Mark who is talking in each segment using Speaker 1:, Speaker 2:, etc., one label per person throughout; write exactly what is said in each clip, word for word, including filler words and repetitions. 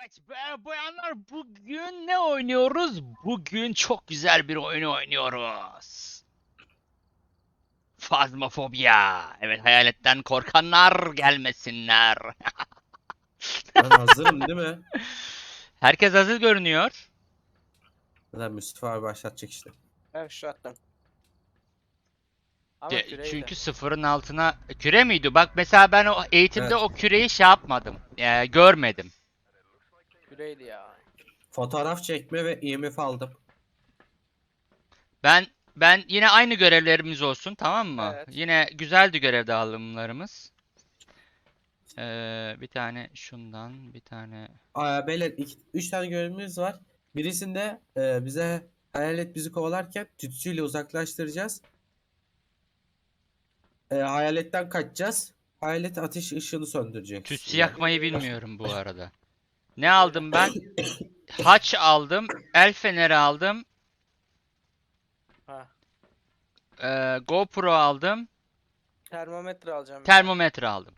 Speaker 1: Evet be bayanlar, bugün ne oynuyoruz? Bugün çok güzel bir oyun oynuyoruz. Fazmafobia. Evet, hayaletten korkanlar gelmesinler.
Speaker 2: Ben hazırım değil mi?
Speaker 1: Herkes hazır görünüyor.
Speaker 2: Lan Mustafa abi başlatacak işte.
Speaker 3: Evet şu attım. Ama
Speaker 1: De-
Speaker 3: küreyle.
Speaker 1: çünkü sıfırın altına küre miydi? Bak mesela ben o eğitimde
Speaker 2: Evet.
Speaker 1: o küreyi şey yapmadım. Ee, görmedim.
Speaker 3: Küreydi ya.
Speaker 2: Fotoğraf çekme ve I M F aldım.
Speaker 1: Ben ben yine aynı görevlerimiz olsun, tamam mı?
Speaker 3: Evet.
Speaker 1: Yine güzeldi görev dağılımlarımız. Ee, bir tane şundan, bir tane.
Speaker 2: Aa, beyler iki, üç tane görevimiz var. Birisinde e, bize hayalet bizi kovalarken tütsüyle uzaklaştıracağız. E, hayaletten kaçacağız. Hayalet ateş ışığını söndürecek
Speaker 1: Tütsü
Speaker 2: üstünden.
Speaker 1: yakmayı
Speaker 3: Yürü.
Speaker 1: bilmiyorum bu arada. Ne
Speaker 3: Yürü.
Speaker 1: aldım ben? Haç aldım, el feneri aldım,
Speaker 3: Ha.
Speaker 1: ee, GoPro aldım,
Speaker 3: Termometre alacağım bir de.
Speaker 1: termometre aldım.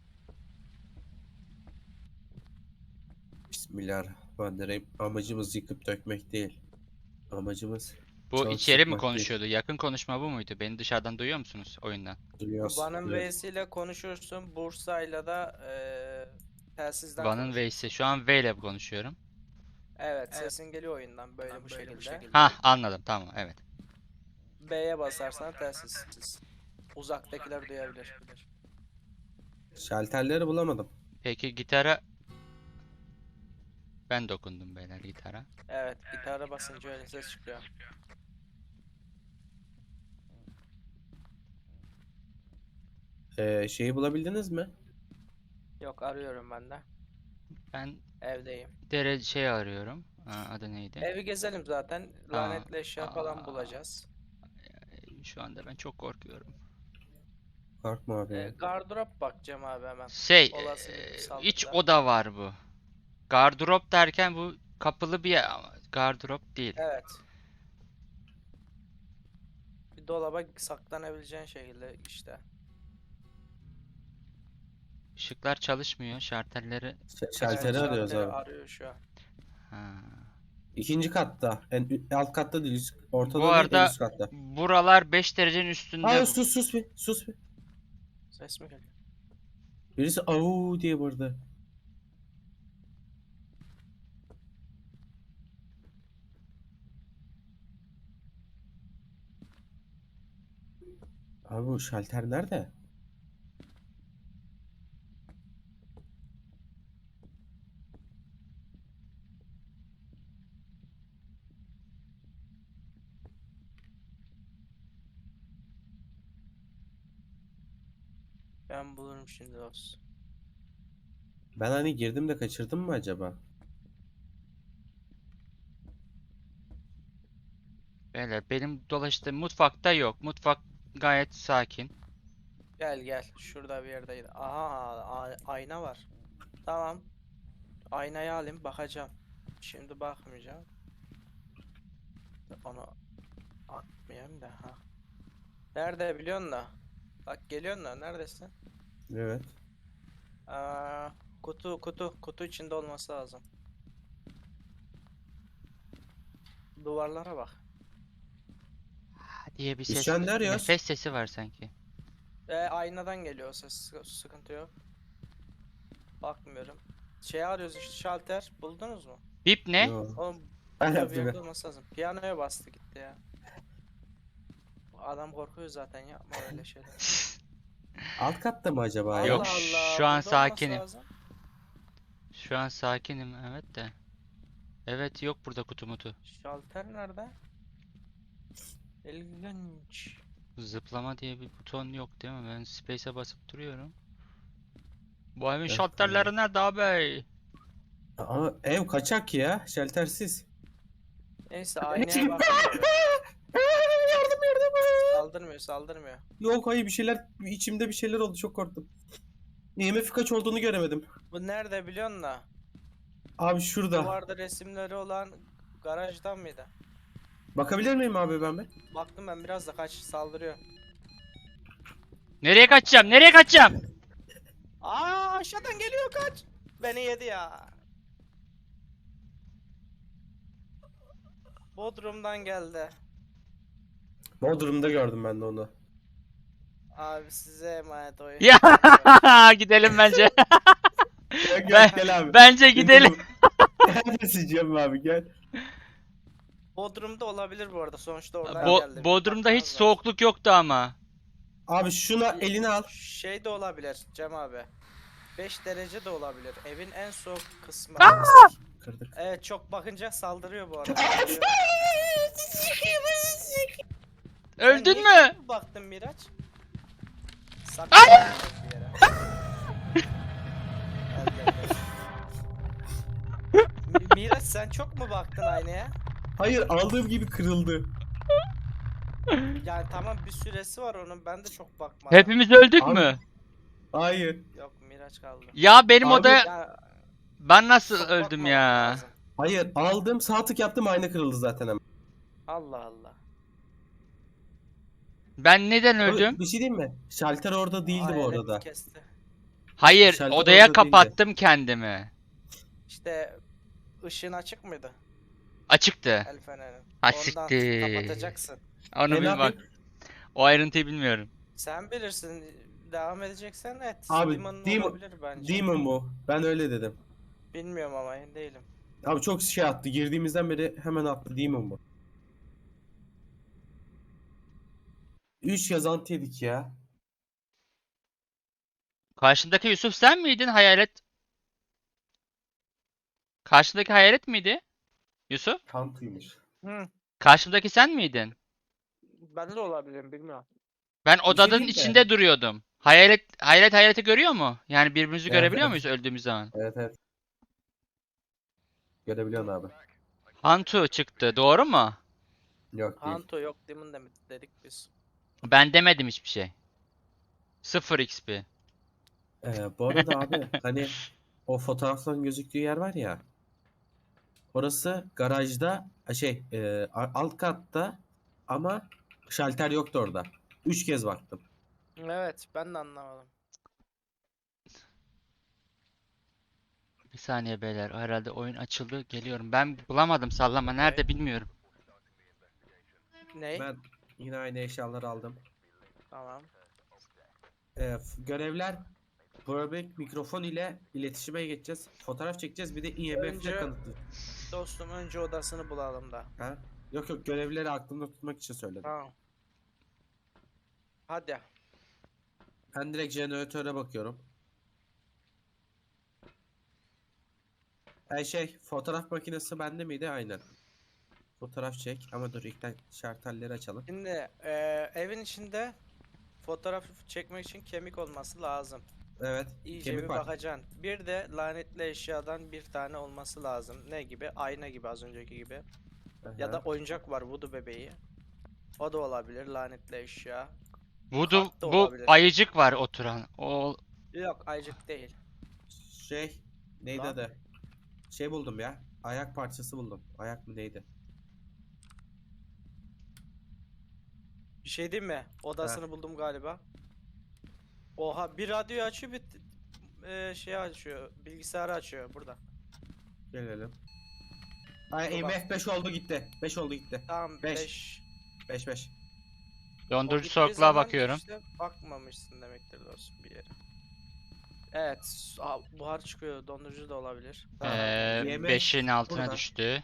Speaker 2: Bismillahirrahmanirrahim. Amacımız yıkıp dökmek değil. Amacımız
Speaker 1: Bu
Speaker 2: can
Speaker 1: içeri mi
Speaker 2: sıkmak değil.
Speaker 1: konuşuyordu? Yakın konuşma bu muydu? Beni dışarıdan duyuyor musunuz oyundan?
Speaker 2: Duyuyoruz.
Speaker 3: Van'ın
Speaker 2: duyuyoruz.
Speaker 3: V'siyle konuşursun. Bursa'yla da eee telsizden
Speaker 1: Van'ın
Speaker 3: konuşursun.
Speaker 1: V'si. Şu an V ile konuşuyorum.
Speaker 3: Evet, sesin geliyor oyundan böyle bu şekilde.
Speaker 1: Hah, anladım, tamam, evet.
Speaker 3: B'ye basarsan telsiz. Uzaktakiler duyabilir.
Speaker 2: Şalterleri bulamadım.
Speaker 1: Peki gitara ben dokundum beyler, gitara.
Speaker 3: Evet, gitara basınca öyle ses çıkıyor.
Speaker 2: E, şeyi bulabildiniz mi?
Speaker 3: Yok, arıyorum ben de.
Speaker 1: Ben
Speaker 3: Evdeyim.
Speaker 1: dere şey arıyorum. Aa, adı neydi?
Speaker 3: Evi gezelim zaten.
Speaker 1: Tamam.
Speaker 3: Lanetli eşya falan
Speaker 1: Aa,
Speaker 3: bulacağız.
Speaker 1: şu anda ben çok korkuyorum.
Speaker 2: Korkma abi
Speaker 3: E,
Speaker 2: ya.
Speaker 3: gardırop bakacağım abi hemen.
Speaker 1: Şey,
Speaker 3: Olası
Speaker 1: eee,
Speaker 3: bir
Speaker 1: iç
Speaker 3: saldırıda.
Speaker 1: oda var bu. Gardırop derken bu kapılı bir yer ama gardırop değil.
Speaker 3: Evet. Bir dolaba saklanabileceğin şekilde işte.
Speaker 1: Işıklar çalışmıyor. Şartelleri
Speaker 2: Ş-
Speaker 3: Evet,
Speaker 2: Şalteri arıyoruz
Speaker 3: şalteri
Speaker 2: abi.
Speaker 3: arıyor şu an.
Speaker 1: ha.
Speaker 2: İkinci katta. En alt katta değil. Üst,
Speaker 1: Bu
Speaker 2: ortada değil en
Speaker 1: arada
Speaker 2: üst katta.
Speaker 1: buralar beş derecenin üstünde.
Speaker 2: Aa, sus sus bir. Sus bir.
Speaker 3: Ses mi geliyor?
Speaker 2: Birisi au diye bağırdı. Abi bu şalter nerede?
Speaker 3: Ben bulurum şimdi dostum.
Speaker 2: Ben hani girdim de kaçırdım mı acaba?
Speaker 1: Beyler, benim dolaştığım mutfakta yok. Mutfak gayet sakin.
Speaker 3: Gel gel. Şurada bir yerdeydi. Aha, a- ayna var. Tamam. Aynayı alayım bakacağım. Şimdi bakmayacağım. Onu atmayayım da ha. Nerede biliyorsun da? Bak geliyorsun da neredesin?
Speaker 2: Evet.
Speaker 3: Aa, kutu kutu kutu içinde olması lazım. Duvarlara bak.
Speaker 1: Diye bir
Speaker 2: Biz
Speaker 1: ses,
Speaker 2: şu an ne arıyoruz?
Speaker 1: nefes sesi var sanki.
Speaker 3: E, aynadan geliyor o ses. Sı- Sıkıntı yok. Bakmıyorum. Şey arıyoruz işte şalter. Buldunuz mu?
Speaker 1: Bip ne?
Speaker 2: Yo.
Speaker 3: Oğlum
Speaker 2: Ben
Speaker 3: burada bir
Speaker 2: yaptım
Speaker 3: yerde
Speaker 2: ya.
Speaker 3: olması lazım. Piyanoya bastı gitti ya. Adam korkuyor zaten, yapma öyle şeyler.
Speaker 2: Alt katta mı acaba ya?
Speaker 1: Yok,
Speaker 3: Allah Allah,
Speaker 1: şu an
Speaker 3: burada olması
Speaker 1: sakinim.
Speaker 3: lazım.
Speaker 1: Şu an sakinim, evet de. Evet, yok burada kutu mutu.
Speaker 3: Şalter nerede? İlginç.
Speaker 1: Zıplama diye bir buton yok değil mi? Ben space'e basıp duruyorum. Bu evin
Speaker 2: Yok,
Speaker 1: şalterleri nerede abi?
Speaker 2: Ama ev kaçak ya. Şaltersiz.
Speaker 3: Neyse aynaya bakınca bir.
Speaker 2: Yardım yardım.
Speaker 3: Saldırmıyor saldırmıyor.
Speaker 2: Yok hayır bir şeyler içimde bir şeyler oldu çok korktum. I M F kaç olduğunu göremedim.
Speaker 3: Bu nerede biliyorsun da?
Speaker 2: Abi şurada.
Speaker 3: Duvarda resimleri olan garajdan mıydı?
Speaker 2: Bakabilir miyim abi ben bir?
Speaker 3: Baktım ben, biraz da kaç saldırıyor.
Speaker 1: Nereye kaçacağım? Nereye kaçacağım?
Speaker 3: Aa, aşağıdan geliyor, kaç. Beni yedi ya. Bodrum'dan geldi.
Speaker 2: Bodrum'da gördüm ben de onu.
Speaker 3: Abi size emanet oyun.
Speaker 1: Ya
Speaker 3: Geçiyorum.
Speaker 1: gidelim bence.
Speaker 2: Gel gel
Speaker 1: Ben,
Speaker 2: gel abi.
Speaker 1: bence gidelim.
Speaker 2: Neredesin Cem abi gel.
Speaker 3: Bodrum'da olabilir bu arada. Sonuçta oradan
Speaker 1: Bo
Speaker 3: geldi. Bir
Speaker 1: Bodrum'da hiç
Speaker 3: bakmamız lazım.
Speaker 1: soğukluk yoktu ama.
Speaker 2: Abi şuna elini al.
Speaker 3: Şey de olabilir Cem abi. beş derece de olabilir. Evin en soğuk kısmı.
Speaker 2: Kırdık.
Speaker 3: Evet, çok bakınca saldırıyor bu arada. Sen
Speaker 1: Öldün
Speaker 3: niye
Speaker 1: mü?
Speaker 3: çok mu baktın Miraç? Saklan bir yere. Gel, gel, gel. Mi- Miraç sen çok mu baktın aynaya?
Speaker 2: Hayır aldığım gibi kırıldı.
Speaker 3: Yani tamam, bir süresi var onun. Ben de çok bakmadım.
Speaker 1: Hepimiz öldük
Speaker 2: Abi-
Speaker 1: mü?
Speaker 2: Hayır.
Speaker 3: Yok, Miraç kaldı.
Speaker 1: Ya benim
Speaker 2: Abi-
Speaker 1: odaya
Speaker 3: Ya,
Speaker 1: ben nasıl
Speaker 3: çok
Speaker 1: öldüm
Speaker 3: bakmamak
Speaker 1: ya?
Speaker 3: lazım.
Speaker 2: Hayır aldım sağ tık yaptım ayna kırıldı zaten hemen.
Speaker 3: Allah Allah.
Speaker 1: Ben neden
Speaker 2: Abi,
Speaker 1: öldüm?
Speaker 2: bir şey diyeyim mi? Şalter orada değildi bu
Speaker 3: Hayalet
Speaker 2: arada.
Speaker 3: Kesti.
Speaker 1: Hayır,
Speaker 2: Şalter
Speaker 1: odaya
Speaker 2: orada değildi.
Speaker 1: kapattım kendimi.
Speaker 3: İşte ışığın açık mıydı?
Speaker 1: Açıktı.
Speaker 3: El fenerin.
Speaker 1: Ha,
Speaker 3: Ondan
Speaker 1: siktir.
Speaker 3: kapatacaksın.
Speaker 1: Onu
Speaker 2: E, ne
Speaker 1: bil bak.
Speaker 2: yapayım?
Speaker 1: O ayrıntıyı bilmiyorum.
Speaker 3: Sen bilirsin. Devam edeceksen et.
Speaker 2: Abi,
Speaker 3: Demon
Speaker 2: Demon-
Speaker 3: olabilir bence.
Speaker 2: Demon bu. Ben öyle dedim.
Speaker 3: Bilmiyorum ama emin değilim.
Speaker 2: Abi çok şey attı. Girdiğimizden beri hemen attı. Demon bu. üç yazantı yedik ya.
Speaker 1: Karşındaki Yusuf sen miydin hayalet? Karşındaki hayalet miydi? Yusuf?
Speaker 2: Kantuymuş.
Speaker 3: Hı.
Speaker 1: Karşımdaki sen miydin?
Speaker 3: Ben de olabilirim, bilmiyorum.
Speaker 1: Ben
Speaker 2: şey
Speaker 1: odanın
Speaker 2: diyeyim mi?
Speaker 1: içinde duruyordum. Hayalet hayalet hayaleti görüyor mu? Yani birbirimizi
Speaker 2: Evet,
Speaker 1: görebiliyor
Speaker 2: evet.
Speaker 1: muyuz öldüğümüz zaman?
Speaker 2: Evet evet. Görebiliyorsun abi.
Speaker 1: Hantu çıktı, doğru mu?
Speaker 2: Yok değil.
Speaker 3: Hanto yok, Demon demek dedik biz.
Speaker 1: Ben demedim hiçbir şey. sıfır X P.
Speaker 2: Ee, bu arada abi hani o fotoğrafların gözüktüğü yer var ya. Orası garajda şey e, a- alt katta ama şalter yoktu orada. Üç kez baktım.
Speaker 3: Evet, ben de anlamadım.
Speaker 1: Bir saniye beyler. Herhalde oyun açıldı. Geliyorum. Ben bulamadım sallama. Nerede bilmiyorum.
Speaker 3: Ney?
Speaker 2: Ben yine aynı eşyaları aldım.
Speaker 3: Tamam.
Speaker 2: Ee, f- görevler Powerbank mikrofon ile iletişime geçeceğiz. Fotoğraf çekeceğiz. Bir de I M F'le
Speaker 3: Önce-
Speaker 2: kanıtlı.
Speaker 3: Dostum, önce odasını bulalım da.
Speaker 2: Ha? Yok yok görevleri aklımda tutmak için söyledim.
Speaker 3: Tamam. Hadi.
Speaker 2: Ben direkt jeneratöre bakıyorum. Ay şey fotoğraf makinesi bende miydi? Aynen. Fotoğraf çek ama dur ilkten şartelleri açalım.
Speaker 3: Şimdi eee, evin içinde fotoğraf çekmek için kemik olması lazım.
Speaker 2: Evet.
Speaker 3: İyice
Speaker 2: Kemik
Speaker 3: bir
Speaker 2: var.
Speaker 3: bakacaksın. Bir de lanetli eşyadan bir tane olması lazım. Ne gibi? Ayna gibi, az önceki gibi. Ya da
Speaker 2: Aha.
Speaker 3: oyuncak var, Voodoo bebeği. O da olabilir, lanetli eşya.
Speaker 1: Voodoo,
Speaker 3: Kart da
Speaker 1: bu
Speaker 3: olabilir.
Speaker 1: ayıcık var oturan. O
Speaker 3: Yok, aycık değil.
Speaker 2: Şey neydi
Speaker 3: Lan.
Speaker 2: adı? Şey buldum ya. Ayak parçası buldum. Ayak mı neydi?
Speaker 3: Bir şey diyeyim mi? Odasını buldum galiba. Oha, bir radyo açıyor, bir eee, şey açıyor. Bilgisayarı açıyor burada.
Speaker 2: Gelelim. Ay
Speaker 3: Dur
Speaker 2: M
Speaker 3: bak.
Speaker 2: F beş oldu gitti. beş oldu gitti.
Speaker 3: Tamam,
Speaker 2: Beş.
Speaker 3: beş.
Speaker 2: beş beş.
Speaker 1: dondurucu soğukluğa bakıyorum.
Speaker 3: İşte bakmamışsın demektir dostum bir yere. Evet, s- aa, buhar çıkıyor. Dondurucu da olabilir. Tamam.
Speaker 1: Ee,
Speaker 2: I M F
Speaker 1: beşin altına
Speaker 2: burada.
Speaker 1: düştü.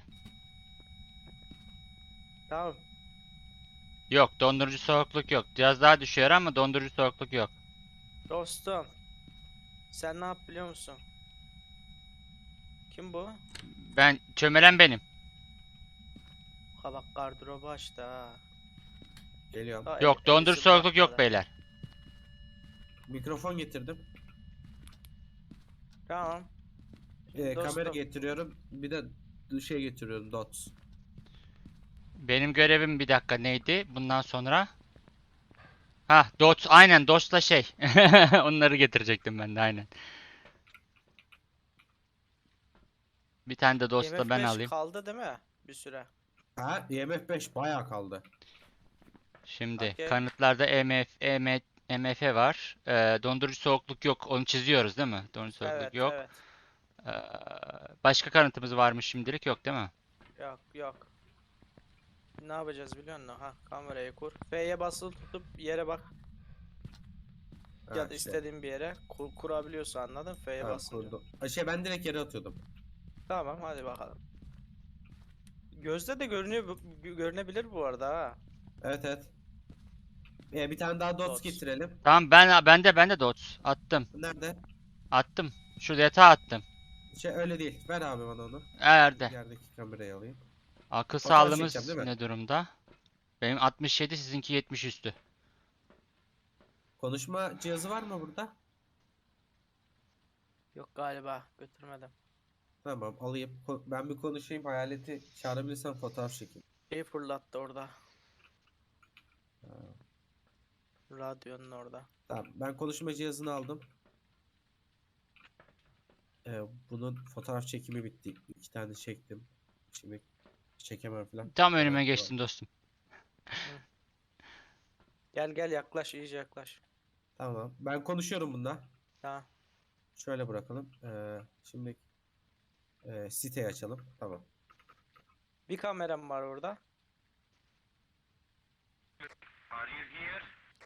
Speaker 3: Tamam.
Speaker 1: Yok, dondurucu soğukluk yok. Biraz daha düşüyor ama dondurucu soğukluk yok.
Speaker 3: Dostum. Sen ne yap biliyor musun? Kim bu?
Speaker 1: Ben çömelen benim.
Speaker 3: Ha bak, gardırobu açtı ha.
Speaker 2: Geliyorum.
Speaker 3: Daha
Speaker 1: Yok,
Speaker 3: el-
Speaker 1: dondurucu
Speaker 3: elisi
Speaker 1: soğukluk yok
Speaker 3: bırakmadı.
Speaker 1: beyler.
Speaker 2: Mikrofon getirdim.
Speaker 3: Tamam.
Speaker 2: Ee, kamera
Speaker 3: Dostum.
Speaker 2: getiriyorum. Bir de şey getiriyorum. Dots.
Speaker 1: Benim görevim bir dakika neydi? Bundan sonra. Ha, dots aynen dots'la şey. Onları getirecektim ben de aynen. Bir tane de dots'la
Speaker 3: IMF
Speaker 1: ben
Speaker 3: beş
Speaker 1: alayım.
Speaker 3: kaldı değil mi? Bir süre.
Speaker 2: Ha I M F beş bayağı kaldı.
Speaker 1: Şimdi
Speaker 3: Okey.
Speaker 1: kanıtlarda E M F, E M, E M F var. Ee, dondurucu soğukluk yok. Onu çiziyoruz değil mi? Dondurucu soğukluk
Speaker 3: Evet,
Speaker 1: yok.
Speaker 3: evet.
Speaker 1: Ee, başka kanıtımız var mı şimdilik? Yok değil mi?
Speaker 3: Yok, yok. ne yapacağız biliyor musun? Ha, kamerayı kur. F'ye basılı tutup yere bak.
Speaker 2: Ha,
Speaker 3: Ya da
Speaker 2: işte.
Speaker 3: istediğin bir yere kur, kurabiliyorsa anladın? F'ye
Speaker 2: Tamam,
Speaker 3: basınca.
Speaker 2: kurdum. Ha, Şey ben direkt yere atıyordum.
Speaker 3: Tamam hadi bakalım. Gözde de görünüyor, bu- gö- görünebilir bu arada ha.
Speaker 2: Evet evet. Ee, bir tane daha dots
Speaker 3: Dots.
Speaker 2: getirelim.
Speaker 1: Tamam ben ben de ben de dots attım.
Speaker 2: Nerede?
Speaker 1: Attım. Şurada yatağa attım.
Speaker 2: Şey öyle değil. Ver abi bana onu.
Speaker 1: Nerede?
Speaker 2: Yerdeki kamerayı alayım.
Speaker 1: Akıl
Speaker 2: Fotoğraf çekeceğim
Speaker 1: sağlığımız
Speaker 2: değil mi?
Speaker 1: ne durumda? Benim altmış yedi, sizinki yetmiş üstü.
Speaker 2: Konuşma cihazı var mı burada?
Speaker 3: Yok galiba götürmedim.
Speaker 2: Tamam alayım. Ko- Ben bir konuşayım. Hayaleti çağırabilirsem fotoğraf çekeyim.
Speaker 3: Şey fırlattı orada.
Speaker 2: Ha,
Speaker 3: Radyonun orada.
Speaker 2: tamam. Ben konuşma cihazını aldım. Ee, bunun fotoğraf çekimi bitti. İki tane çektim. Şimdi çekemem falan.
Speaker 1: Tam
Speaker 2: Tamam,
Speaker 1: önüme
Speaker 2: tamam.
Speaker 1: geçtin dostum.
Speaker 3: Gel gel yaklaş iyice yaklaş.
Speaker 2: Tamam. Ben konuşuyorum bunda.
Speaker 3: Tamam.
Speaker 2: Şöyle bırakalım. Ee, şimdi e, siteyi açalım. Tamam.
Speaker 3: Bir kameram var orada.
Speaker 2: Are you here?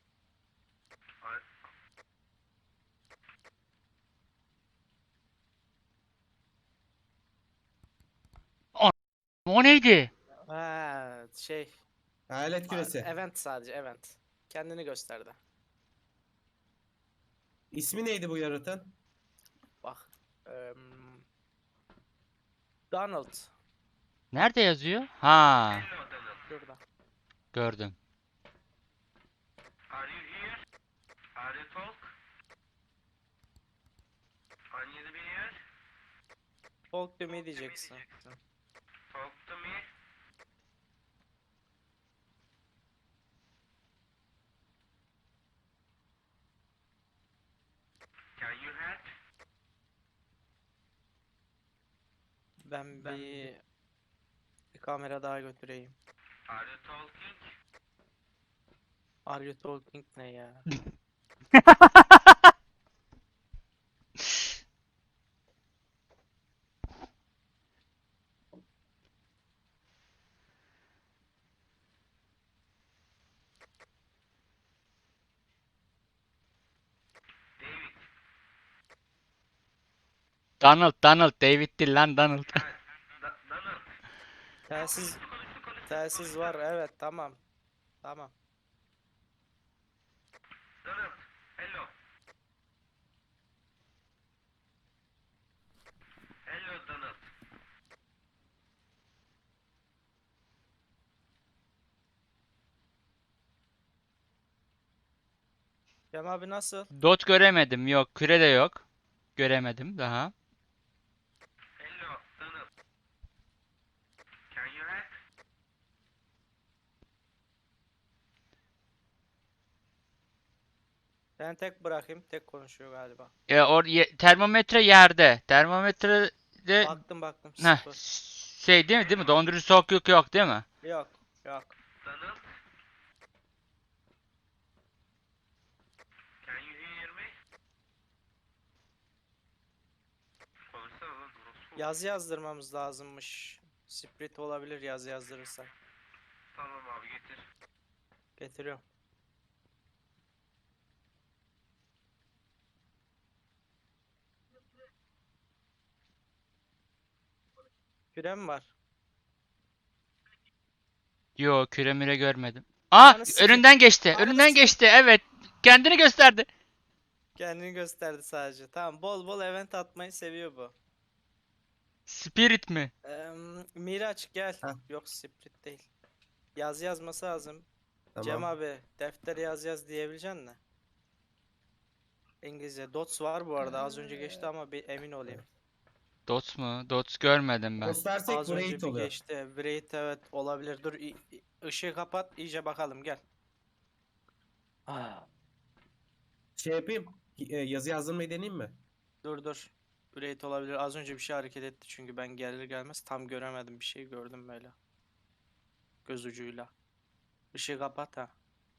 Speaker 1: O neydi?
Speaker 3: Ha, şey.
Speaker 2: Hayalet
Speaker 3: a-
Speaker 2: küresi.
Speaker 3: Event sadece event. Kendini gösterdi.
Speaker 2: İsmi neydi bu yaratığın?
Speaker 3: Bak. em, Donald.
Speaker 1: Nerede yazıyor? Ha,
Speaker 3: Şurada.
Speaker 1: gördüm.
Speaker 2: Are you here? Are you talk? Can you be here?
Speaker 3: Talk to me diyeceksin.
Speaker 2: Talk to me. Can you help?
Speaker 3: Ben bir, bir kamera daha götüreyim.
Speaker 2: Are you talking?
Speaker 3: Are you talking ne ya?
Speaker 2: David.
Speaker 1: Donald, Donald, David değil lan Donald.
Speaker 2: Da- Donald.
Speaker 3: Telsiz
Speaker 2: Konuştu konuştu.
Speaker 3: telsiz var evet tamam. Tamam.
Speaker 2: Donald. Hello. Hello Donald.
Speaker 3: Cem abi nasıl?
Speaker 1: Dot göremedim. Yok, küre de yok. Göremedim daha.
Speaker 2: Hello Donald. Can you help?
Speaker 3: Ben tek bırakayım. Tek konuşuyor galiba.
Speaker 1: E, or ye- termometre yerde. Termometre de
Speaker 3: Baktım baktım
Speaker 1: heh,
Speaker 3: sıfır.
Speaker 1: şey değil mi değil mi? Dondurucu soğukluk yok değil mi?
Speaker 3: Yok yok.
Speaker 2: Donald. Can you hear me? Konuşsana lan orospu.
Speaker 3: Yazı yazdırmamız lazımmış. Sprit olabilir yazı yazdırırsak.
Speaker 2: Tamam abi getir.
Speaker 3: Getiriyorum. Kürem var.
Speaker 1: Yok, küre müre görmedim. Aa,
Speaker 3: Ananı sikeyim.
Speaker 1: önünden geçti.
Speaker 3: Ananı
Speaker 1: Önünden
Speaker 3: sikeyim.
Speaker 1: geçti. Evet. Kendini gösterdi.
Speaker 3: Kendini gösterdi sadece. Tamam bol bol event atmayı seviyor bu.
Speaker 1: Spirit mi?
Speaker 3: Eee Miraç gel.
Speaker 2: Heh.
Speaker 3: Yok Sprit değil. Yazı yazması lazım.
Speaker 2: Tamam.
Speaker 3: Cem abi deftere yaz yaz diyebilecek misin? İngilizce. Dots var bu arada. Az önce geçti ama bir emin olayım.
Speaker 1: Dots mu? Dots görmedim ben.
Speaker 2: Göstersek
Speaker 3: Az
Speaker 2: bu
Speaker 3: önce
Speaker 2: raid
Speaker 3: bir
Speaker 2: oluyor.
Speaker 3: geçti. Wraith evet olabilir. Dur i- i- ışığı kapat iyice bakalım gel. Ah.
Speaker 2: Şey yapayım. e, Yazı yazdırmayı deneyeyim mi?
Speaker 3: Dur dur. Wraith olabilir. Az önce bir şey hareket etti çünkü ben gelir gelmez tam göremedim. Bir şey gördüm böyle. Göz ucuyla. Işığı kapat ha.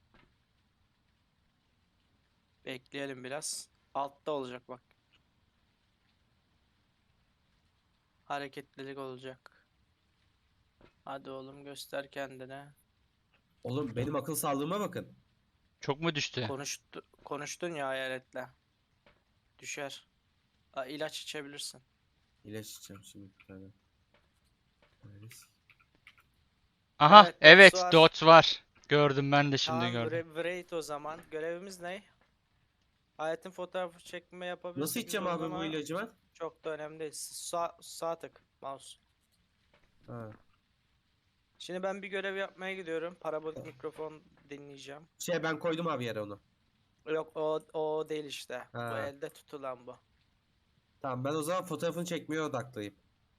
Speaker 3: Bekleyelim biraz. Altta olacak bak. Hareketlilik olacak. Hadi oğlum göster kendini.
Speaker 2: Oğlum benim akıl sağlığıma bakın.
Speaker 1: Çok mu düştü?
Speaker 3: Konuştu, konuştun ya hayaletle. Düşer. Aa, ilaç içebilirsin.
Speaker 2: İlaç içeceğim şimdi bir tane. Neredesin?
Speaker 1: Aha
Speaker 3: Evet,
Speaker 1: evet
Speaker 3: dots var.
Speaker 1: dots var. Gördüm ben de şimdi
Speaker 3: Tamam,
Speaker 1: gördüm.
Speaker 3: bre- Braid o zaman. Görevimiz ne? Hayatın fotoğrafı çekme yapabilirsek
Speaker 2: Nasıl içeceğim
Speaker 3: güzel olur
Speaker 2: abi bu
Speaker 3: ama
Speaker 2: ilacı ben?
Speaker 3: çok da önemli değil. Sağ, sağ tık mouse.
Speaker 2: Ha.
Speaker 3: Şimdi ben bir görev yapmaya gidiyorum. Parabolik mikrofon dinleyeceğim.
Speaker 2: Şey ben koydum abi yere onu.
Speaker 3: Yok o, o değil işte. Bu
Speaker 2: Ha.
Speaker 3: elde tutulan bu.
Speaker 2: Tamam ben o zaman fotoğrafını çekmeye odaklıyım.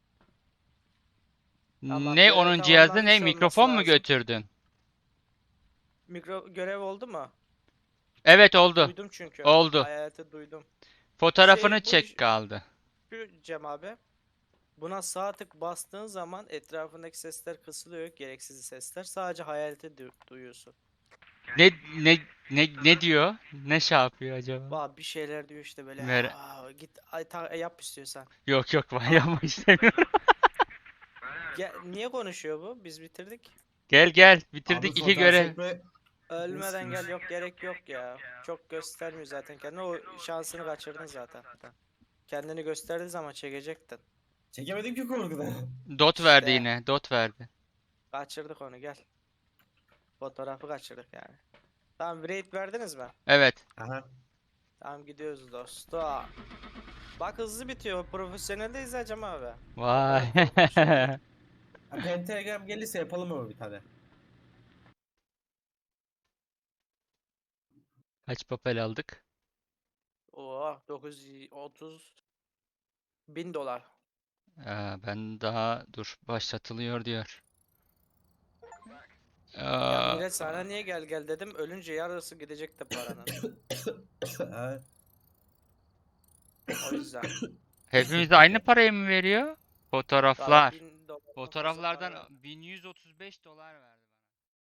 Speaker 3: Tamam,
Speaker 1: Ne
Speaker 3: görev
Speaker 1: onun cihazı ne?
Speaker 3: tamamlanmış olması
Speaker 1: Mikrofon mu
Speaker 3: lazım.
Speaker 1: götürdün?
Speaker 3: Mikro görev oldu mu?
Speaker 1: Evet oldu.
Speaker 3: Duydum çünkü.
Speaker 1: Oldu.
Speaker 3: Hayaleti duydum.
Speaker 1: Fotoğrafını
Speaker 3: Şey, bu
Speaker 1: çek
Speaker 3: iş-
Speaker 1: kaldı.
Speaker 3: Şu Cem abi. Buna sağ tık bastığın zaman etrafındaki sesler kısılıyor. Gereksiz sesler. Sadece hayaleti du- duyuyorsun.
Speaker 1: Ne ne ne ne diyor? Ne şey yapıyor acaba?
Speaker 3: Vah, bir şeyler diyor işte böyle.
Speaker 1: Mer-
Speaker 3: "Aa, git ay, ta- yap istiyorsan.
Speaker 1: Yok yok ben
Speaker 3: Aa.
Speaker 1: yapmak istemiyorum.
Speaker 3: Ya, niye konuşuyor bu? Biz bitirdik.
Speaker 1: Gel gel
Speaker 2: Abi
Speaker 1: bitirdik iki
Speaker 2: fotoğraf
Speaker 1: görev.
Speaker 2: çekme...
Speaker 3: Ölmeden
Speaker 2: Neyse.
Speaker 3: gel, yok gerek yok ya. Çok göstermiyor zaten kendini. O şansını kaçırdın zaten. Kendini gösterdiği zaman çekecektin.
Speaker 2: Çekemedim ki korkudan.
Speaker 1: Dot verdi
Speaker 3: İşte.
Speaker 1: yine. Dot verdi.
Speaker 3: Kaçırdık onu, gel. Fotoğrafı kaçırdık yani. Tamam, raid verdiniz mi?
Speaker 1: Evet.
Speaker 2: Aha.
Speaker 3: Tamam, gidiyoruz dostum. Bak, hızlı bitiyor. Profesyoneldeyiz hacım abi.
Speaker 1: Vay.
Speaker 3: O kadar korkunç değil.
Speaker 2: Ha, Pentagram gelirse yapalım ama bir tane.
Speaker 1: Kaç papel aldık?
Speaker 3: Oo, dokuz yüz otuz bin dolar.
Speaker 1: Aa, ben daha dur başlatılıyor diyor.
Speaker 3: Ya
Speaker 1: Aa,
Speaker 3: millet sana niye gel gel dedim. Ölünce yarısı gidecekti paranın.
Speaker 2: Ha,
Speaker 3: O yüzden.
Speaker 1: hepimize aynı parayı mı veriyor?
Speaker 3: Valla
Speaker 1: Fotoğraflar.
Speaker 3: bin dolar çok fazla para
Speaker 1: Fotoğraflardan
Speaker 3: var.
Speaker 1: bin yüz otuz beş dolar verdi.